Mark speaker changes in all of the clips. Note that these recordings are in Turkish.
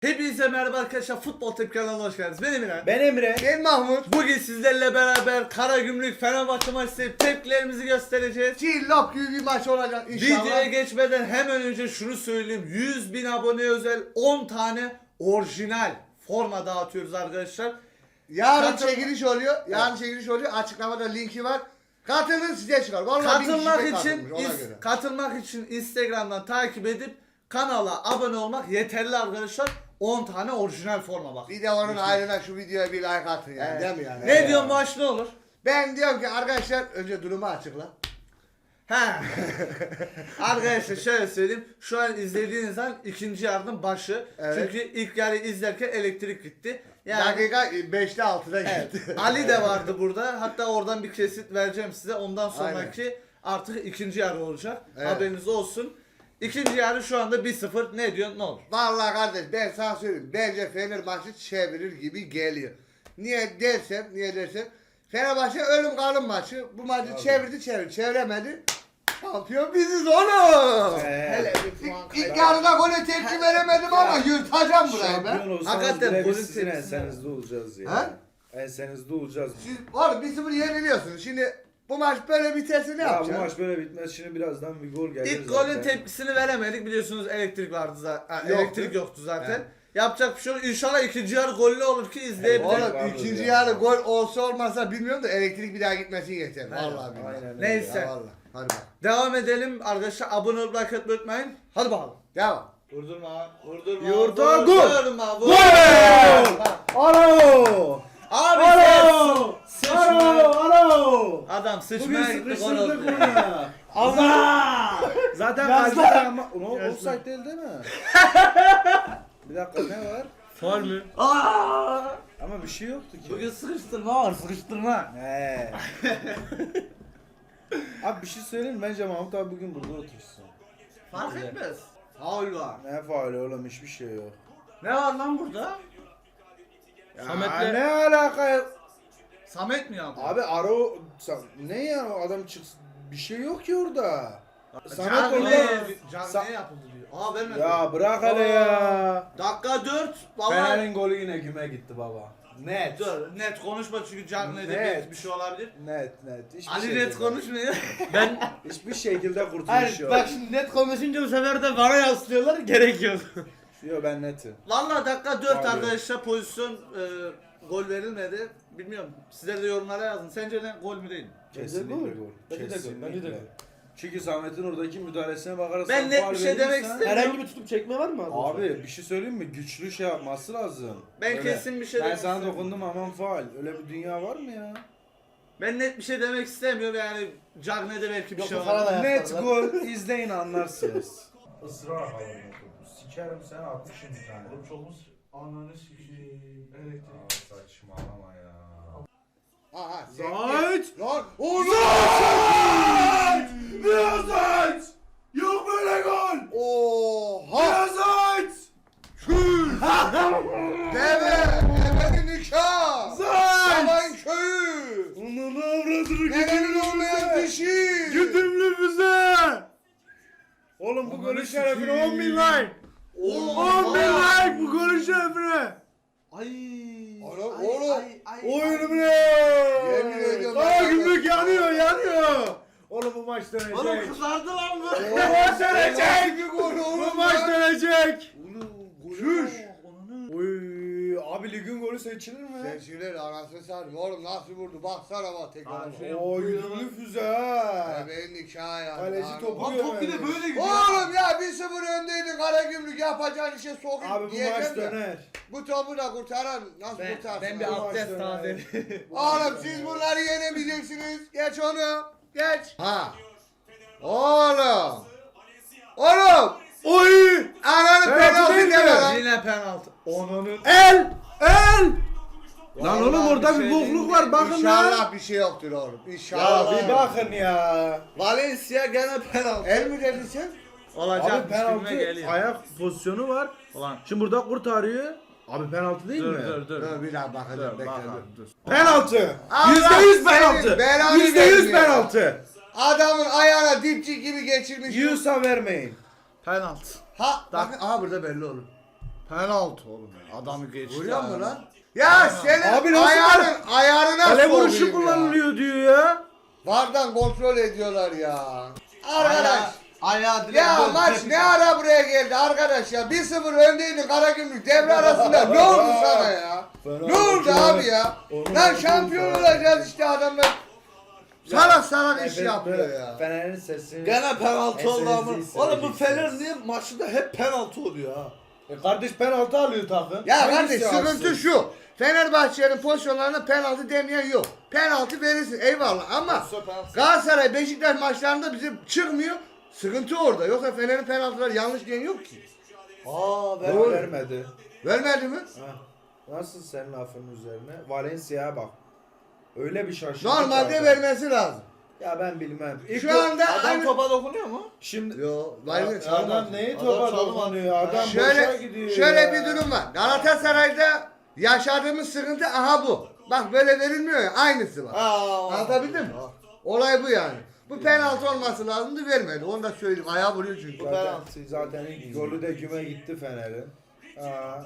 Speaker 1: Hepinize merhaba arkadaşlar, Futbol Tepki kanalına hoş geldiniz. Ben Emre.
Speaker 2: Ben Emre.
Speaker 3: Ben Mahmut.
Speaker 1: Bugün sizlerle beraber Karagümrük Fenerbahçe maçı tepkilerimizi göstereceğiz.
Speaker 3: Cillop gibi bir maç olacak inşallah.
Speaker 1: Videoya geçmeden hemen önce şunu söyleyeyim. 100.000 abone özel 10 tane orijinal forma dağıtıyoruz arkadaşlar.
Speaker 3: Yarın
Speaker 1: Katıl-
Speaker 3: çekiliş oluyor. Yarın çekiliş oluyor. Açıklamada linki var. Katılın size çıkar. Vallahi bin kişi
Speaker 1: Katılmak
Speaker 3: pek
Speaker 1: için
Speaker 3: katılmış, ona göre.
Speaker 1: katılmak için Instagram'dan takip edip kanala abone olmak yeterli arkadaşlar. 10 tane orijinal forma bak.
Speaker 3: Bir de onun ayrına şu videoya bir like atın yani,
Speaker 1: Evet.
Speaker 3: değil mi yani?
Speaker 1: Ne diyorsun, maç ne olur?
Speaker 3: Ben diyorum ki arkadaşlar önce durumu açıkla.
Speaker 1: Ha. Arkadaşlar şöyle söyleyeyim. Şu an izlediğiniz an ikinci yarının başı.
Speaker 3: Evet.
Speaker 1: Çünkü ilk yarı izlerken elektrik gitti. Yani
Speaker 3: Dakika 5'te 6'da
Speaker 1: evet,
Speaker 3: gitti.
Speaker 1: Ali de vardı burada. Hatta oradan bir kesit vereceğim size. Ondan sonraki artık ikinci yarı olacak.
Speaker 3: Evet.
Speaker 1: Haberiniz olsun. İkinci yarı şu anda 1-0. Ne diyorsun? Ne olur?
Speaker 3: Vallahi kardeş ben sana söyleyeyim. Bence Fener maçı çevirir gibi geliyor. Niye dersen Fenerbahçe ölüm kalım maçı. Bu maçı çeviremedi. Şampiyon biziz oğlum.
Speaker 1: Hele bir puan
Speaker 3: İlk yarıda gole tepki veremedim ama yırtacağım burayı ben.
Speaker 2: Şampiyon olsanız
Speaker 1: Hakikaten
Speaker 2: bile
Speaker 1: golün
Speaker 2: biz sizin
Speaker 1: tepkisine-
Speaker 2: ensenizde olacağız ya.
Speaker 3: Ha?
Speaker 2: Ensenizde olacağız.
Speaker 3: Siz oğlum 1-0 yeniliyorsunuz. Şimdi bu maç böyle biterse ne
Speaker 2: Ya bu
Speaker 3: yapacaksın?
Speaker 2: maç böyle bitmez. Şimdi birazdan bir gol gelir
Speaker 1: İlk
Speaker 2: zaten.
Speaker 1: golün tepkisini veremedik. Biliyorsunuz elektrik vardı zaten.
Speaker 3: Yoktu.
Speaker 1: Elektrik yoktu zaten.
Speaker 3: Evet.
Speaker 1: Yapacak bir şey yok. İnşallah ikinci yarı gollü olur ki izleyebiliriz.
Speaker 3: Oğlum
Speaker 2: Vardır
Speaker 3: ikinci
Speaker 2: ya.
Speaker 3: yarı gol olsa olmazsa bilmiyorum da elektrik bir daha gitmesi yeter. Vallahi billahi.
Speaker 2: Aynen öyle.
Speaker 1: Neyse.
Speaker 3: Ya vallahi. Hadi bak.
Speaker 1: Devam edelim arkadaşlar. Abone olup like atmayı unutmayın. Hadi bakalım.
Speaker 3: Devam.
Speaker 1: Vurdurma, vurdurma.
Speaker 2: Yurda gol.
Speaker 1: Vurdurma,
Speaker 2: Gol!
Speaker 1: vurdurma.
Speaker 2: Alo!
Speaker 1: Abi
Speaker 2: Alo!
Speaker 1: sen sıçma.
Speaker 2: Alo!
Speaker 1: Adam
Speaker 2: Bugün
Speaker 1: sıçmaya gitti, gol
Speaker 2: sıkıştırdık
Speaker 1: oldu.
Speaker 2: bunu ya.
Speaker 1: Allah!
Speaker 2: Zaten
Speaker 1: Yazlar.
Speaker 2: kalbide ama... Ulan
Speaker 1: Yazlar.
Speaker 2: offside değil mi? Bir dakika ne var?
Speaker 1: Faul mü? Aa!
Speaker 2: Ama bir şey yoktu ki.
Speaker 1: Bugün sıkıştırma var, sıkıştırma.
Speaker 2: He. Abi bir şey söyleyeyim mi? Bence Mahmut abi bugün burada otursun.
Speaker 1: Fark etmez. Faul var.
Speaker 2: Ne faali oğlum, hiçbir şey yok.
Speaker 1: Ne var lan burada?
Speaker 2: Ya
Speaker 1: Samet'le-
Speaker 2: ne alaka ya?
Speaker 1: Samet mi yaptı?
Speaker 2: Abi Aro ne ya, o adam çıksın, bir şey yok ki orada. Samet
Speaker 1: Cagney-
Speaker 2: orada.
Speaker 1: Cagney yapıldı diyor. Aa vermedi.
Speaker 2: Ya bırak hele ya.
Speaker 1: Dakika 4. Valla.
Speaker 2: Fener'in golü yine güme gitti baba. Net.
Speaker 1: Dur, net konuşma çünkü Cagney'de
Speaker 2: Net.
Speaker 1: bir şey olabilir.
Speaker 2: Net. Hiçbir
Speaker 1: Ali
Speaker 2: şekilde.
Speaker 1: net konuşmuyor.
Speaker 2: Hiçbir şekilde kurtuluş
Speaker 4: Hayır
Speaker 2: yok.
Speaker 4: bak şimdi net konuşunca bu sefer de bana yaslıyorlar, gerek yok.
Speaker 2: Yok, ben netim.
Speaker 1: Valla dakika 4
Speaker 2: Abi.
Speaker 1: arkadaşlar, pozisyon gol verilmedi. Bilmiyorum. Sizler de yorumlara yazın. Sence ne, gol mü değil mi?
Speaker 2: Kesinlikle
Speaker 4: gol.
Speaker 2: gol.
Speaker 4: Bence de gol,
Speaker 2: Kesinlikle.
Speaker 4: bence de gol.
Speaker 2: Çünkü Samet'in oradaki müdahalesine bakarsan
Speaker 1: Ben net
Speaker 2: faul
Speaker 1: bir şey demek
Speaker 2: verirsen-
Speaker 1: istemiyorum.
Speaker 4: Herhangi bir tutup çekme var mı?
Speaker 2: Abi bir şey söyleyeyim mi? Güçlü şey yapması lazım.
Speaker 1: Ben
Speaker 2: Öyle.
Speaker 1: kesin bir şey
Speaker 2: Ben
Speaker 1: demek
Speaker 2: sana
Speaker 1: istemiyorum.
Speaker 2: dokundum aman faal. Öyle bir dünya var mı ya?
Speaker 1: Ben net bir şey demek istemiyorum yani. Cagney'de belki bir
Speaker 4: Yok,
Speaker 1: şey
Speaker 4: bu falan
Speaker 1: var.
Speaker 4: da-
Speaker 2: Net gol, izleyin anlarsınız. Israr haline sikerim sen 60 bir tane.
Speaker 1: Oğlum çok mu? Ananı sikeyim. Elektrik.
Speaker 2: Saçmalama ya.
Speaker 3: Aha.
Speaker 2: Zayt!
Speaker 3: Lan oğlum.
Speaker 2: Biraz Zayt! Yok böyle gol!
Speaker 3: Oha.
Speaker 2: Biraz Zayt!
Speaker 3: Devenin nikah.
Speaker 2: Zayt!
Speaker 3: Yalan köyü.
Speaker 2: Onun avradını
Speaker 3: Devenin olmayan dişi.
Speaker 2: Güdümlü füze! Oğlum bu golün şerefine 10 bin like! 10 bin like bu golün şerefine!
Speaker 1: Ay.
Speaker 3: Oğlum.
Speaker 2: Oyunu bile!
Speaker 3: Yemin ediyorum.
Speaker 2: Aa gümrük yanıyor! Oğlum bu maç dönecek!
Speaker 1: Oğlum kızardı lan bu.
Speaker 2: Bu maç dönecek!
Speaker 3: Bir gol oğlum.
Speaker 2: Bu maç dönecek!
Speaker 1: Şuş.
Speaker 2: Oy abi ligin golü seçilir mi?
Speaker 3: Seçilir anasını satayım. Oğlum nasıl vurdu? Baksana bak tekrar.
Speaker 1: Abi,
Speaker 2: Oo güdümlü füze ha!
Speaker 3: Devenin nikahı yani.
Speaker 2: Kaleci
Speaker 3: Lan
Speaker 2: topu
Speaker 1: Lan top bir de böyle gidiyor.
Speaker 3: Oğlum ya 1-0 öndeydin Karagümrük yapacağın işe sokayım.
Speaker 2: Abi bu
Speaker 3: diyeceğim
Speaker 2: maç
Speaker 3: de.
Speaker 2: döner.
Speaker 3: Bu topu da kurtaran nasıl kurtarsın?
Speaker 1: Ben bir
Speaker 3: abi?
Speaker 1: abdest tazeleyim.
Speaker 3: Oğlum siz bunları yenemeyeceksiniz. Geç onu. Geç. Ha. Oğlum. Oğlum.
Speaker 2: Oy!
Speaker 3: Ananı
Speaker 2: Penaltı
Speaker 3: penaltı
Speaker 2: değil mi?
Speaker 3: deme lan.
Speaker 1: Yine penaltı. Onanın.
Speaker 2: El! Lan
Speaker 3: Vallahi
Speaker 2: oğlum orada
Speaker 1: bir
Speaker 2: bir
Speaker 1: şey
Speaker 2: bokluk
Speaker 1: değil
Speaker 2: var
Speaker 1: mi?
Speaker 2: bakın lan.
Speaker 3: İnşallah bir şey yoktur oğlum.
Speaker 2: Ya
Speaker 3: İnşallah.
Speaker 2: bir bakın ya.
Speaker 1: Valencia gene penaltı.
Speaker 3: El mi dedin sen?
Speaker 1: Olacak
Speaker 2: Abi penaltı
Speaker 1: geliyor.
Speaker 2: ayak pozisyonu var.
Speaker 1: Ulan.
Speaker 2: Şimdi burada kurtarıyor. Abi penaltı değil mi?
Speaker 1: Dur.
Speaker 3: Dur bir daha bakacağım.
Speaker 1: Dur
Speaker 3: Bekle
Speaker 1: bak
Speaker 3: dur.
Speaker 1: abi dur.
Speaker 2: Penaltı.
Speaker 3: Allah
Speaker 2: %100
Speaker 3: senin
Speaker 2: penaltı.
Speaker 3: belanı
Speaker 2: %100
Speaker 3: versin ya.
Speaker 2: penaltı.
Speaker 3: Adamın ayağına dipçik gibi geçirmiş.
Speaker 2: Yusa vermeyin.
Speaker 1: Penaltı.
Speaker 3: Ha bakın aha burada belli olur.
Speaker 1: Penaltı oğlum ya. Adamı geçti.
Speaker 3: Görüyor musun
Speaker 1: yani.
Speaker 3: lan? Ya senin
Speaker 2: Abi nasıl
Speaker 3: ayarına
Speaker 2: Kale
Speaker 3: sokayım
Speaker 2: vuruşu
Speaker 3: ya.
Speaker 2: kullanılıyor diyor ya.
Speaker 3: Vardan kontrol ediyorlar ya. Arkadaş.
Speaker 1: Ayağı direkt
Speaker 3: Ya
Speaker 1: böyle
Speaker 3: maç
Speaker 1: tepki-
Speaker 3: ne ara buraya geldi arkadaş ya. 1-0 öndeydin Karagümrük devre arasında. Ne oldu sana ya? Ne oldu abi ya? Lan şampiyon olacağız işte adamlar. Salak salak iş yapıyor ya.
Speaker 2: Fener'in sesi.
Speaker 1: Gene penaltı oldu ama.
Speaker 2: Sessizliği
Speaker 1: Oğlum bu Fener
Speaker 2: seveceksiniz.
Speaker 1: niye maçında hep penaltı oluyor ha?
Speaker 2: Kardeş penaltı alıyor takım.
Speaker 3: Ya
Speaker 2: Hangisi
Speaker 3: kardeş sıkıntı
Speaker 2: alsın?
Speaker 3: şu. Fenerbahçe'nin pozisyonlarına penaltı demeyen yok. Penaltı verirsin eyvallah ama
Speaker 1: Pozisyon penaltı.
Speaker 3: Galatasaray Beşiktaş maçlarında bize çıkmıyor. Sıkıntı orada. Yoksa Fener'in penaltıları yanlış diyen yok ki.
Speaker 2: Doğru. Vermedi.
Speaker 3: Vermedi mi?
Speaker 2: Ha. Nasıl senin lafın üzerine? Valencia'ya bak. Öyle bir şaşırdı.
Speaker 3: Normalde
Speaker 2: ki
Speaker 3: vermesi lazım.
Speaker 2: Ya ben bilmem.
Speaker 3: Şu anda
Speaker 1: Adam
Speaker 3: aynı...
Speaker 1: topa dokunuyor mu?
Speaker 2: Şimdi
Speaker 3: Yo, Valencia
Speaker 2: adam
Speaker 3: çalmadı.
Speaker 2: neyi
Speaker 1: Adam
Speaker 2: topa
Speaker 1: çalmadı.
Speaker 2: dokunuyor? Adam boşa
Speaker 3: Şöyle,
Speaker 2: gidiyor
Speaker 3: şöyle
Speaker 2: ya.
Speaker 3: bir durum var. Galatasaray'da yaşadığımız sıkıntı aha bu. Bak böyle verilmiyor ya aynısı var. Anlatabildim mi? Olay bu yani. Bu penaltı olması lazımdı vermedi. Onu da söyleyeyim. Ayağı vuruyor çünkü.
Speaker 2: Zaten ilk golü de güme gitti Fener'in. Ha.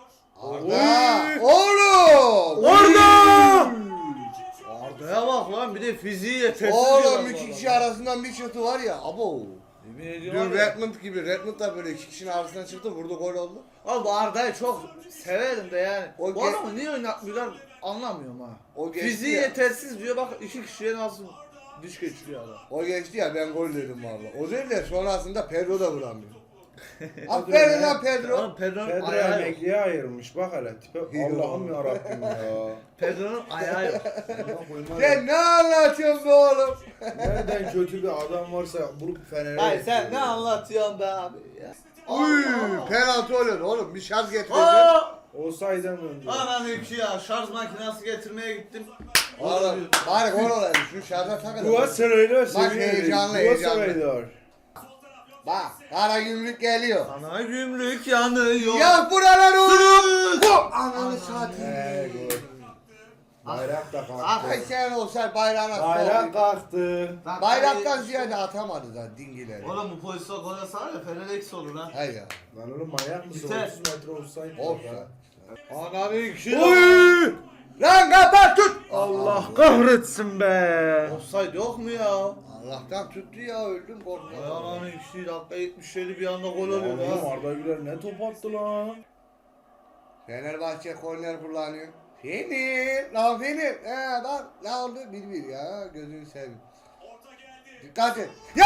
Speaker 3: Arda! Oğlum!
Speaker 2: Orada!
Speaker 1: Arda'ya bak lan bir de fiziği yetersiz.
Speaker 3: Oğlum
Speaker 1: diyorlar
Speaker 3: iki
Speaker 1: bu
Speaker 3: kişi arasından bir çıktı var ya. Abo.
Speaker 1: Yemin ediyorum
Speaker 3: Dün
Speaker 1: var ya.
Speaker 3: Redmond gibi. Redmond da böyle iki kişinin arasından çıktı. Vurdu gol oldu.
Speaker 1: Abi bu Arda'yı çok severim de yani.
Speaker 3: O
Speaker 1: Bu
Speaker 3: ge-
Speaker 1: adamı niye oynatmıyorlar anlamıyorum ha.
Speaker 3: O geçti
Speaker 1: Fiziği
Speaker 3: ya.
Speaker 1: yetersiz diyor bak iki kişiye nasıl diş geçiriyor adam.
Speaker 3: O geçti ya ben gol dedim valla. O değil de sonrasında Pedro da vuramıyor. Aferin lan Pedro.
Speaker 1: Oğlum Pedro'nun
Speaker 2: Pedro
Speaker 1: ayağı yok.
Speaker 2: emekliye ayırmış bak hele tipe. Allah'ım yarabbim ya.
Speaker 1: Pedro'nun ayağı yok.
Speaker 2: Allah koymaz.
Speaker 3: Sen ne anlatıyorsun be oğlum?
Speaker 2: Nereden kötü bir adam varsa vurup Fener'e
Speaker 1: Hayır sen
Speaker 2: getiriyor.
Speaker 1: ne anlatıyorsun be abi ya.
Speaker 3: Uy, penaltı oluyor oğlum. Bir şarj getirecek.
Speaker 1: Aa!
Speaker 2: Olsaydı önce.
Speaker 1: Anam iki ya şarj makinesi getirmeye gittim.
Speaker 3: Oğlum bari gol olaydı. Şu şarja takın.
Speaker 2: Galatasaray'la
Speaker 3: Maç
Speaker 2: seviyoruz.
Speaker 3: heyecanlı,
Speaker 2: Galatasaray'lar.
Speaker 3: Bak Karagümrük geliyor.
Speaker 1: Ana gümrük yanıyor.
Speaker 3: Ya buralar oğlum. Bu ananı satayım.
Speaker 2: Gol. Bayrak da kalktı.
Speaker 3: Ay sen olsa bayrağına
Speaker 2: Bayrak
Speaker 3: sok.
Speaker 2: kalktı.
Speaker 3: Bayraktan ziyade atamadı zaten dingileri.
Speaker 1: Oğlum bu pozisyon gol atsa var ya Fener eksi olur ha.
Speaker 3: Hayır ya.
Speaker 2: Lan oğlum manyak mısın?
Speaker 1: Biter.
Speaker 2: 30 metre offside.
Speaker 3: Olsa.
Speaker 1: Anam iki
Speaker 2: Oy!
Speaker 3: Lan kapat tut.
Speaker 2: Allah kahretsin be.
Speaker 1: Offside yok mu ya?
Speaker 3: Allah'tan tuttu ya öldüm korktum.
Speaker 1: Ay anam iki dakika 77 bir anda gol oluyor
Speaker 2: Oğlum
Speaker 1: ha.
Speaker 2: Arda Güler ne top attı lan.
Speaker 3: Fenerbahçe korner kullanıyor. Fener. Lan Fener. Bak ne oldu? 1-1 ya. Gözünü seveyim. Dikkat et. Ya!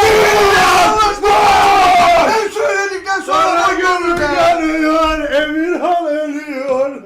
Speaker 3: Ben söyledikten sonra da görürüm ya.
Speaker 2: yanıyor, Emirhan ölüyor.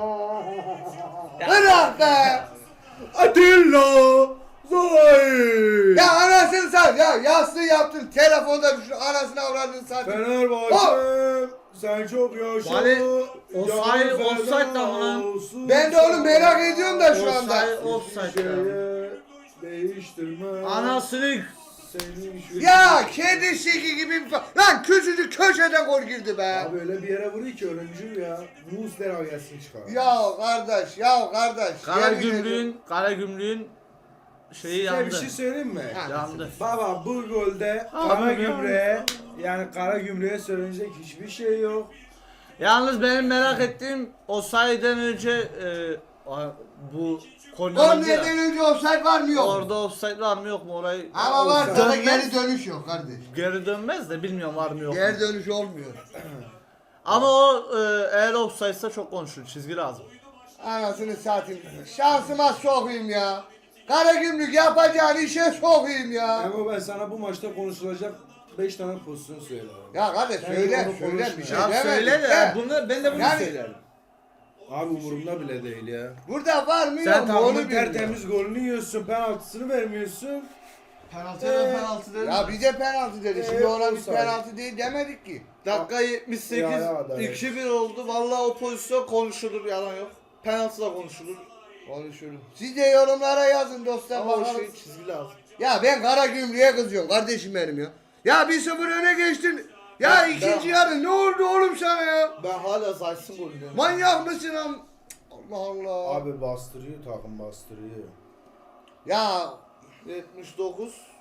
Speaker 3: Bırak be.
Speaker 2: Atilla Zay.
Speaker 3: Ya anasını sat ya. Yastığı yaptın. Telefonda düşün. Anasını avradını sat.
Speaker 2: Fenerbahçe sen çok yaşa.
Speaker 1: Vale, offside-
Speaker 2: Can
Speaker 1: offside
Speaker 2: feda
Speaker 1: da lan.
Speaker 2: olsun
Speaker 3: Ben de oğlum merak ediyorum da şu anda.
Speaker 1: Offside ya.
Speaker 2: Şeye değiştirme.
Speaker 1: Anasını
Speaker 2: Senin şu...
Speaker 3: Ya kedi şiki gibi bir lan küçücük köşeden gol girdi be.
Speaker 2: Abi öyle bir yere vuruyor ki ölümcül ya. Muslera gelsin çıkar.
Speaker 3: Ya kardeş, ya kardeş.
Speaker 1: Karagümrük'ün şeyi
Speaker 2: Size
Speaker 1: yandı.
Speaker 2: bir şey söyleyeyim mi?
Speaker 3: Ha.
Speaker 1: Yandı.
Speaker 2: Baba bu golde
Speaker 1: Abi
Speaker 2: Karagümrük'e yani Karagümrük'e söylenecek hiçbir şey yok.
Speaker 1: Yalnız benim merak ettiğim o sayeden önce bu korner oldu ya.
Speaker 3: Kornerden önce offside var mı yok mu?
Speaker 1: Orada offside var mı yok mu orayı?
Speaker 3: Ama varsa da
Speaker 1: Dönmez.
Speaker 3: geri dönüş yok kardeş.
Speaker 1: Geri dönmez de bilmiyorum var mı yok mu.
Speaker 3: Geri dönüş olmuyor.
Speaker 1: Ama o eğer offside'sa çok konuşur. Çizgi lazım.
Speaker 3: Anasını satayım. Şansıma sokayım ya. Karagümrük yapacağın işe sokayım ya.
Speaker 2: Ama ben sana bu maçta konuşulacak 5 tane pozisyon söylerim.
Speaker 3: Ya kardeş
Speaker 2: Ben
Speaker 3: söyle,
Speaker 2: onu
Speaker 3: söyle bir şey
Speaker 1: Ya
Speaker 3: demedim.
Speaker 1: söyle de
Speaker 3: He.
Speaker 1: bunu ben de bunu
Speaker 3: Yani-
Speaker 1: söylerim.
Speaker 2: Abi umurumda bile değil ya.
Speaker 3: Burada var mı
Speaker 2: Sen
Speaker 3: yok mu onu
Speaker 2: takımın
Speaker 3: bilmiyorum.
Speaker 2: tertemiz golünü yiyorsun, penaltısını vermiyorsun.
Speaker 1: Penaltı dedim.
Speaker 3: Ya bize penaltı dedi. Şimdi ona biz
Speaker 2: offside.
Speaker 3: penaltı değil demedik ki.
Speaker 1: Dakika 78
Speaker 2: Ya, adalet.
Speaker 1: 2-1 oldu. Vallahi o pozisyon konuşulur yalan yok. Penaltı da konuşulur.
Speaker 3: Konuşuruz. Siz de yorumlara yazın dostlar
Speaker 1: Ama o
Speaker 3: bakalım.
Speaker 1: şey çizgi lazım.
Speaker 3: Ya ben Karagümrük'e kızıyorum kardeşim benim ya. Ya 1-0 öne geçtin. Ya
Speaker 1: Ben-
Speaker 3: ikinci yarı ne oldu oğlum sana ya?
Speaker 1: Ben hala Zayt'sın golü diyorum.
Speaker 3: Manyak mısın am? Allah Allah.
Speaker 2: Abi bastırıyor takım bastırıyor.
Speaker 3: Ya
Speaker 1: 79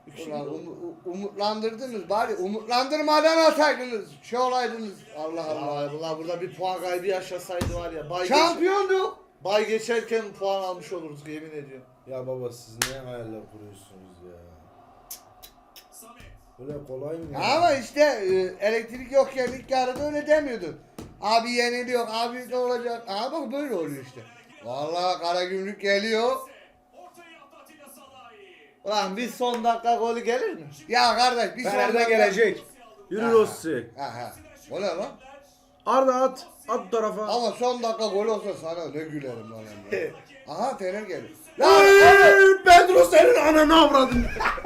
Speaker 3: Ulan umutlandırdınız bari umutlandırmadan ataydınız. Şey olaydınız. Allah Allah.
Speaker 1: Allah burada bir puan kaybı yaşasaydı var ya.
Speaker 3: Şampiyonduk.
Speaker 1: Bay geçerken puan almış oluruz yemin ediyorum.
Speaker 2: Ya baba siz ne hayaller kuruyorsunuz ya? Böyle kolay mı ya?
Speaker 3: Ama işte elektrik yokken ilk yarıda öyle demiyordun. Abi yeniliyor, abi ne olacak? Aha bak böyle oluyor işte. Vallahi Karagümrük geliyor.
Speaker 1: Ulan bir son dakika golü gelir mi?
Speaker 3: Ya kardeş bir
Speaker 2: Fener'de
Speaker 3: sonraki-
Speaker 2: gelecek. Yürü
Speaker 3: Aha.
Speaker 2: Rossi.
Speaker 3: Aha. O ne lan?
Speaker 2: Arda at. At bu tarafa.
Speaker 3: Ama son dakika gol olsa sana ne gülerim lan Emre. Aha Fener geliyor. Ya
Speaker 2: Ay, Pedro senin ananı avradın.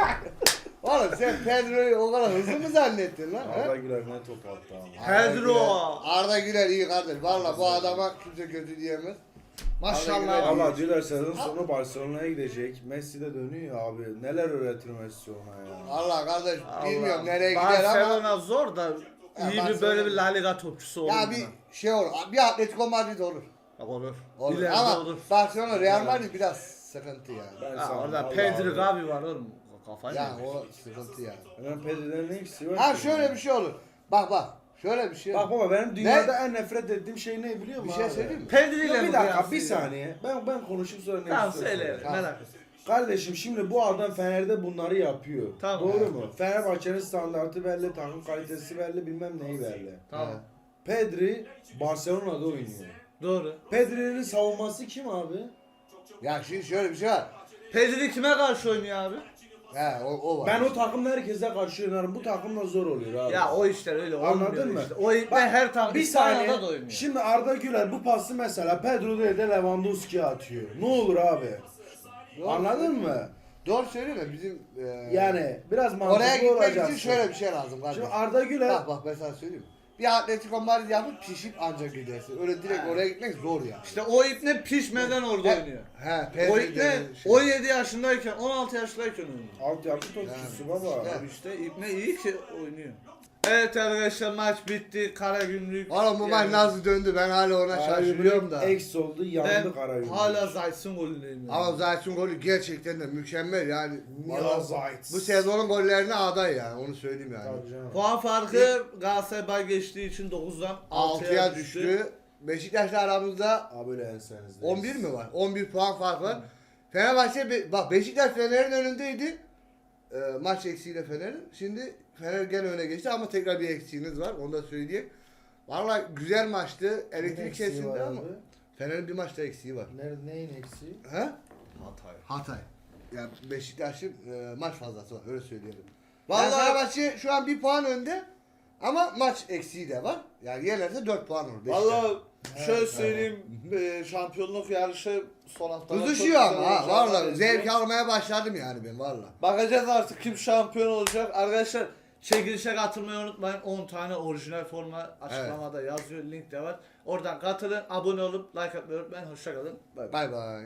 Speaker 3: oğlum sen Pedro'yu o kadar hızlı mı zannettin lan? he?
Speaker 2: Arda Güler ne top attı ama.
Speaker 1: Pedro.
Speaker 3: Arda Güler iyi kardeş. Valla bu adama kimse kötü diyemez.
Speaker 1: Maşallah.
Speaker 2: Valla Güler sezon sonu Barcelona'ya gidecek. Messi de dönüyor abi. Neler öğretir Messi ona ya.
Speaker 3: Allah kardeş
Speaker 1: Allah.
Speaker 3: bilmiyorum nereye gider ama.
Speaker 1: Barcelona zor da iyi bir
Speaker 3: Barcelona-
Speaker 1: böyle bir La Liga topçusu olur.
Speaker 3: Ya bir şey olur. Bir Atletico Madrid olur.
Speaker 1: Olur.
Speaker 3: Olur.
Speaker 1: İleride
Speaker 3: Ama
Speaker 1: olur.
Speaker 3: Barcelona Real Madrid biraz sıkıntı yani.
Speaker 2: Ben
Speaker 1: Ha,
Speaker 2: sana
Speaker 1: orada
Speaker 2: vallahi
Speaker 1: Pedri
Speaker 2: abi.
Speaker 1: Gavi var oğlum. Kafayı
Speaker 3: Ya
Speaker 1: yemiş.
Speaker 3: o sıkıntı yani.
Speaker 2: Hemen Pedri'den ne eksiği var
Speaker 3: Ha
Speaker 2: ki?
Speaker 3: şöyle bir şey olur. Bak. Şöyle bir şey
Speaker 2: Bak
Speaker 3: olur.
Speaker 2: baba benim dünyada en nefret ettiğim şey ne biliyor musun
Speaker 3: Bir şey
Speaker 2: abi?
Speaker 3: söyleyeyim mi?
Speaker 1: Pedri ile
Speaker 2: Ya
Speaker 1: mi
Speaker 2: bir dakika bir
Speaker 1: kıyaslayacağım?
Speaker 2: saniye. Ben konuşup sonra ne
Speaker 1: Tamam
Speaker 2: istiyorsun?
Speaker 1: söyle
Speaker 3: Tamam.
Speaker 1: merak etme.
Speaker 2: Kardeşim şimdi bu adam Fener'de bunları yapıyor.
Speaker 1: Tamam.
Speaker 2: Doğru mu? Fenerbahçe'nin standartı belli, takım kalitesi belli, bilmem neyi belli.
Speaker 1: Tamam.
Speaker 2: Pedri Barcelona'da oynuyor.
Speaker 1: Doğru.
Speaker 2: Pedri'nin savunması kim abi?
Speaker 3: Ya şimdi şöyle bir şey var.
Speaker 1: Pedri kime karşı oynuyor abi?
Speaker 3: He o var.
Speaker 2: Ben o takımla herkese karşı oynarım. Bu takımla zor oluyor abi.
Speaker 1: Ya o işler öyle olmuyor.
Speaker 2: Anladın mı?
Speaker 1: Işte. O ipne
Speaker 2: Bak,
Speaker 1: her tam
Speaker 2: bir saniye.
Speaker 1: İspanya'da da oynuyor.
Speaker 2: Şimdi Arda Güler bu pası mesela Pedro değil de Lewandowski'ye atıyor. Ne olur abi?
Speaker 3: Doğru.
Speaker 2: Anladın mı?
Speaker 3: Doğru söylüyor da bizim
Speaker 2: Yani biraz mantıklı
Speaker 3: oraya gitmek
Speaker 2: olacaksın.
Speaker 3: için şöyle bir şey lazım kardeş.
Speaker 2: Şimdi Arda Güler
Speaker 3: Bak ben sana söyleyeyim. Bir Atletico Madrid yapıp pişip ancak gidersin. Öyle direkt oraya gitmek zor ya.
Speaker 1: İşte o ipne pişmeden orada oynuyor.
Speaker 3: He,
Speaker 1: O
Speaker 3: Pedri
Speaker 1: ipne
Speaker 3: denen şey.
Speaker 1: 17 yaşındayken 16 yaşındayken oynuyor.
Speaker 2: altyapı topçusu
Speaker 3: Yani.
Speaker 2: baba.
Speaker 3: Evet.
Speaker 1: Abi işte ipne iyi ki oynuyor. Evet arkadaşlar maç bitti. Karagümrük.
Speaker 3: Oğlum bu maç nasıl döndü ben hala ona şaşırıyorum da.
Speaker 2: Eksi oldu
Speaker 1: Ben
Speaker 2: yandı Karagümrük.
Speaker 1: hala Zayt'sın golündeyim.
Speaker 3: Ama Zayt'ın golü gerçekten de mükemmel yani.
Speaker 2: Mila
Speaker 3: Vallahi
Speaker 2: Zayt.
Speaker 3: Bu sezonun gollerine aday yani onu söyleyeyim yani.
Speaker 2: Tabii canım.
Speaker 1: Puan farkı Galatasaray bay geçtiği için 9'dan
Speaker 3: 6'ya düştü. Beşiktaş'la aramızda
Speaker 2: Abi böyle ensenizde.
Speaker 3: 11 mi var? 11 puan fark var. Fenerbahçe bak Beşiktaş Fener'in önündeydi. Maç eksiğiyle Fener'in. Şimdi Fener gene öne geçti ama tekrar bir eksiğiniz var. Onu da söyleyeyim. Vallahi güzel maçtı. Elektrik
Speaker 2: eksiği
Speaker 3: kesildi
Speaker 2: var
Speaker 3: ama
Speaker 2: abi?
Speaker 3: Fener'in bir maçta eksiği var.
Speaker 2: Neyin eksiği?
Speaker 3: He?
Speaker 1: Hatay.
Speaker 3: Hatay. Yani Beşiktaş'ın maç fazlası var öyle söyleyelim.
Speaker 1: Vallahi-
Speaker 3: Vallahi Fenerbahçe şu an bir puan önde ama maç eksiği de var. Yani yenerse 4 puan olur. Beşiktaş.
Speaker 1: Valla şöyle söyleyeyim şampiyonluk yarışı son haftalar
Speaker 3: Kızışıyor
Speaker 1: çok
Speaker 3: ama
Speaker 1: güzel
Speaker 3: ha
Speaker 1: olacağına
Speaker 3: valla
Speaker 1: benziyor.
Speaker 3: zevk almaya başladım yani ben valla.
Speaker 1: Bakacağız artık kim şampiyon olacak. Arkadaşlar çekilişe katılmayı unutmayın. 10 tane orijinal forma açıklamada yazıyor. Link de var. Oradan katılın. Abone olup like atmayı unutmayın. Hoşçakalın. Bay bay.
Speaker 3: Bay bay.